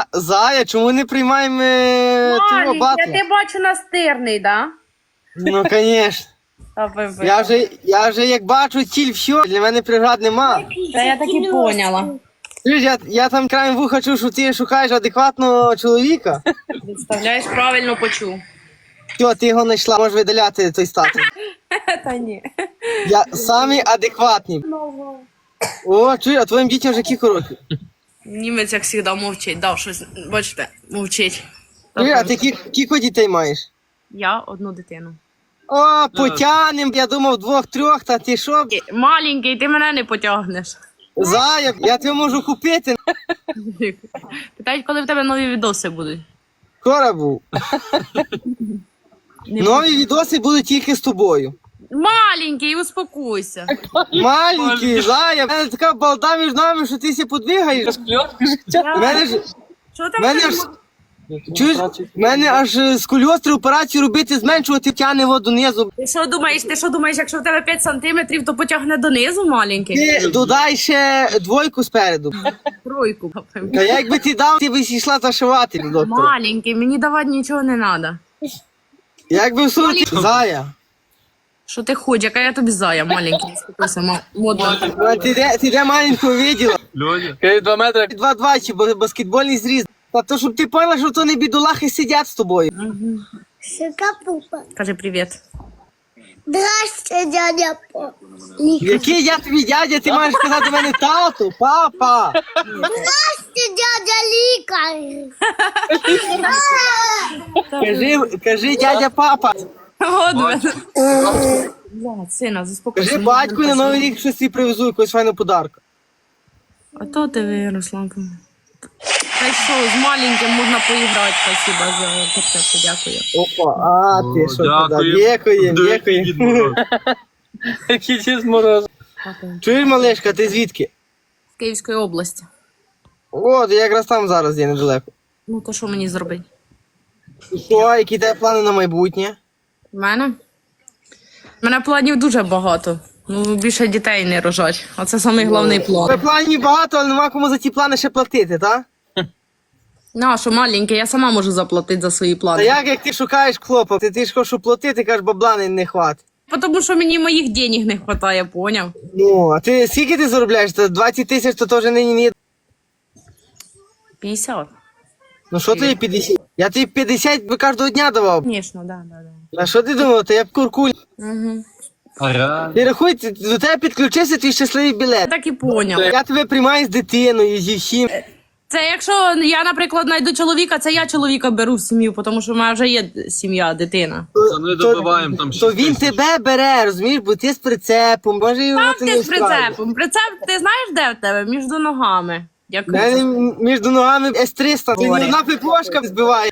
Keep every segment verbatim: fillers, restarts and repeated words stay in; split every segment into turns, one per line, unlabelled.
За, Зая, чому не приймаємо е, того
Малік, я
батла?
тебе бачу настирний, да?
Ну, звісно.
Та ви- ви.
Я вже, я вже як бачу ціль, все, для мене преград нема.
Та я так і поняла.
Чуєш, Я, я там краєм вуха чув, що ти шукаєш адекватного чоловіка.
Представляєш, правильно почув.
Все, ти його знайшла, можеш видаляти той статус.
Та ні.
Я самий адекватний. О, чуєш, а твоїм дітям вже кілька років.
Німець, як завжди, мовчить. Дав щось, бачите, мовчить.
Чуєш, а ти кі- кілька дітей маєш?
Я одну дитину.
О, потянем, я думав двох-трьох, та ти що?
Маленький, ти мене не потягнеш.
Зая, я тебе можу купити.
Питають, коли в тебе нові відоси будуть.
Скоро був.
Не
Нові відоси будуть тільки з тобою.
Маленький, успокойся.
Маленький, Зая, в мене така балда між нами, що ти ся подвигаєш. В мене ж,
Що
в
там?
мене ж, чуєш, в мене аж е, з кульостри операцію робити, зменшувати тягне воду донизу.
Ти що думаєш, ти що думаєш, якщо в тебе п'ять сантиметрів, то потягне донизу маленький?
Ти додай ще двойку спереду.
Тройку.
Та якби ти дав, ти б йшла зашивати до доктора.
Маленький, мені давати нічого не треба.
Якби в суті, Зая,
Що ти хочеш, яка я тобі зая, маленький, успокойся, ма- модно.
а ти де, ти де маленького виділа?
Люди.
Два метри.
Два-два чи ба- баскетбольний зріз. Та то, щоб ти поняла, що то не бідолахи сидять з тобою.
Шикапупа.
Кажи привіт.
Здрасте, дядя По.
Який я тобі дядя, ти маєш сказати до мене тату, папа.
Здрасте, дядя Лікар.
Кажи, кажи дядя папа.
Годве. Блядь, сина, заспокойся.
Кажи батьку на новий рік щось тобі привезу, якусь файну подарку.
А то ти виросла. Та й що, з маленьким можна поіграти, спасибо за концерт, дякую.
Опа, а ти що туди? Дякуємо, дякуємо.
Який чист мороз.
Чуєш, малешка, ти звідки?
З Київської області.
О, я якраз там зараз є недалеко.
Ну то що мені зробити?
І що, які тебе плани на майбутнє?
У мене? У мене планів дуже багато. Ну, більше дітей не рожать. Оце самий головний
Тебе
план.
планів багато, але нема кому за ті плани ще платити, так?
Ну, а що маленький, я сама можу заплатити за свої
Та
плани.
як, як ти шукаєш хлопа? Ти, ти ж хочеш платити, кажеш, бабла не, не хватить.
Тому що мені моїх денег не вистачає, поняв?
Ну, а ти скільки ти заробляєш? Та двадцять тисяч то теж нині не...
п'ятдесят.
Ну що тобі п'ятдесят? Я тобі п'ятдесят би кожного дня давав.
Звісно, да, да, да.
А що ти думав? Та я б куркуль.
Угу.
Ара.
Ти рахуй, ти- до тебе підключився твій щасливий
Я
білет.
так і поняв.
Я тебе приймаю з дитиною, зі всім.
Це якщо я, наприклад, знайду чоловіка, це я чоловіка беру в сім'ю, тому що в мене вже є сім'я, дитина.
Це не добиваємо там
То він тебе бере, розумієш, бо ти з прицепом, може його
Там
це
ти
не
з прицепом. Прицеп, ти знаєш, де в тебе? Між ногами.
У
Дякую.
мене між ногами ес триста, ти
Говори.
ні одна пеплошка збиває.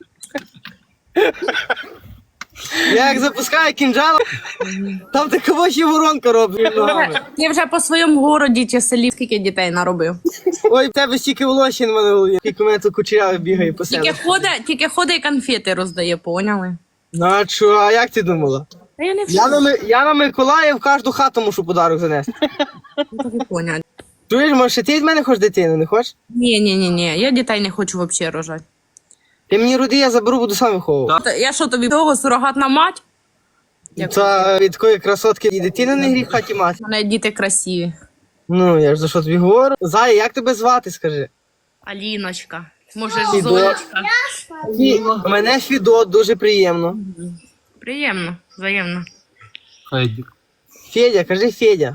Я як запускаю кінжал, там такого ще воронка робить між ногами.
Ти вже по своєму городі чи селі скільки дітей наробив?
Ой, в тебе стільки волосся на мене в голові, скільки у мене тут кучерявий бігає по
Тільки
селу.
ходить, тільки ходить і конфети роздає, поняли?
Ну а що, а як ти думала?
Та я не
Я на, Ми- я на Миколаїв в кожну хату мушу подарок занести.
так і поняла.
Чуєш, може, ще ти від мене хочеш дитину, не хочеш?
Ні, ні, ні, ні, я дітей не хочу взагалі рожати.
Ти мені роди, я заберу, буду сам виховувати.
Та Я що тобі того сурогатна мать?
Це від такої красотки і дитини не гріх в хаті мати.
У мене діти красиві.
Ну, я ж за що тобі говорю. Зая, як тебе звати, скажи?
Аліночка. Може,
Фідо.
Зонечка.
Фі- Мене Фідот, дуже приємно.
Приємно, взаємно.
Федік.
Федя, кажи Федя.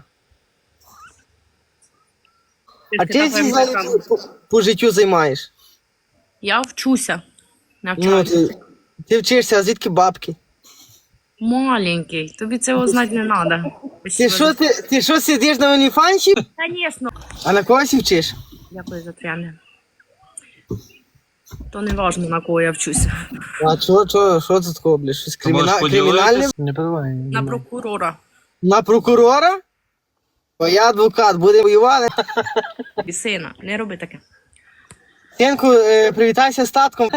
А
Ти
ти
така
всі
прям
по, по, по життю займаєш?
Я вчуся.
Ну,
Навчаюся.
ти, ти вчишся, а звідки бабки?
Маленький, тобі цього знати не треба.
Ти що, ти, ти що сидиш на оліфанчі?
Звісно.
А на когось вчиш?
Дякую за тряне. То не важливо, на кого я вчуся.
А що, що, що це такого, бля? Щось криміна...
можеш поділитись?
кримінальне?
Не подавай.
На прокурора.
На прокурора? Бо я адвокат, буде воювати.
І сина, не роби таке.
Синку, е, привітайся з татком.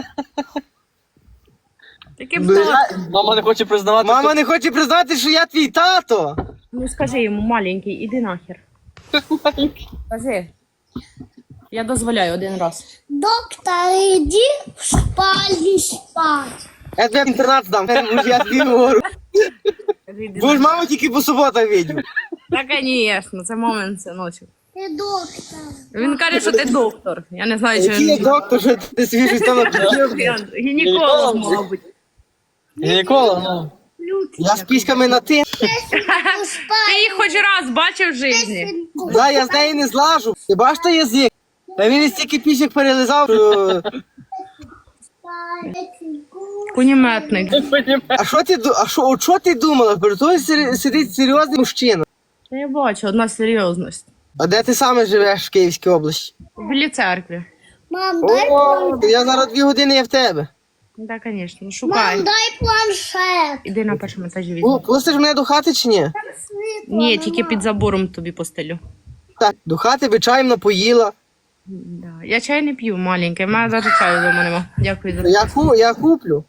Таке
Бля,
птах.
Мама не хоче признавати.
Мама не хоче признати, що я твій тато.
Ну скажи йому, маленький, іди нахер. Скажи. Я дозволяю один раз.
Доктор, иди в спальню спать.
Я тебе інтернат здам, я тобі говорю. Будеш маму тільки по суботах видів.
Та, звісно, це момент синочок.
Ты доктор.
Він каже, що ти доктор. Я не знаю, чи
Який я
він
доктор, що ти собі щось там написав?
гінеколог, мабуть.
Ніколи, ну.
Я з піськами на ти.
В
Ти їх хоч раз бачив в житті?
спальню.
Да, я з неї не злажу. Ти бачиш той язик? Та він із стільки пісік перелизав, що...
Кунеметник.
А що ти, ду- а що, от що ти думала? Перед тобою сер- сидить серйозний мужчина.
Та я бачу, одна серйозність.
А де ти саме живеш в Київській області?
В білій церкві.
Мам, дай
О, я зараз дві години є в тебе.
Так, звісно,
Мам,
шукай.
дай планшет.
Іди на першому етажі
О,
візьми.
пустиш мене до хати чи ні?
Світло
Ні,
нема.
тільки під забором тобі постелю.
Так, до хати би чаєм напоїла.
Да. Я чай не п'ю маленький, в мене навіть чаю вдома нема. Дякую за
Я, ку, я куплю.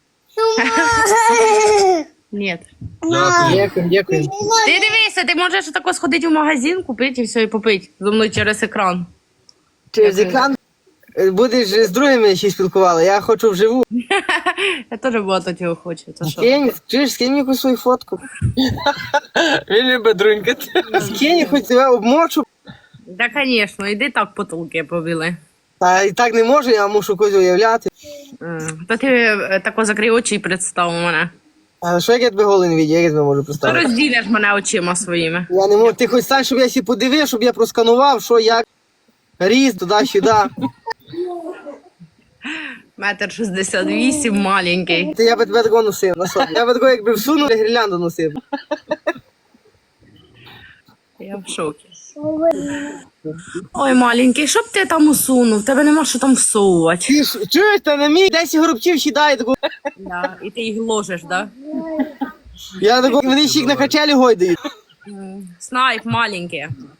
Ні.
Дякую.
Дякую, дякую.
Ти дивися, ти можеш тако сходити в магазин, купити і все, і попити зі мною через екран.
Через екран е, будеш з другими ще спілкувала, я хочу вживу.
Я теж багато цього хочу. Це що?
Скинь, чуєш, скинь мені якусь свою фотку.
Він любить друнькати.
Скинь, хоч тебе обмочу.
Да, звісно, іди так потолки побили.
Та і так не можу, я мушу когось уявляти.
Та ти е, тако закрий очі і представ мене.
А що як я тебе голий не відео, як я тебе можу
Ти
представити?
розділиш мене очима своїми.
Я не можу, ти хоч стань, щоб я сі подивив, щоб я просканував, що як. Ріст, туди-сюди.
Метр шістдесят вісім, маленький.
Ти я би тебе такого носив на собі. Я би такого якби всунув, я гірлянду носив.
Я в шокі. Ой, маленький, що б ти там усунув? Тебе нема що там всовувати.
Ти ж чуєш, та на мій десять горобців сідає такого.
Да. І ти їх ложиш, да?
Я такого, вони ще їх на качелі гойдають.
Снайп маленький.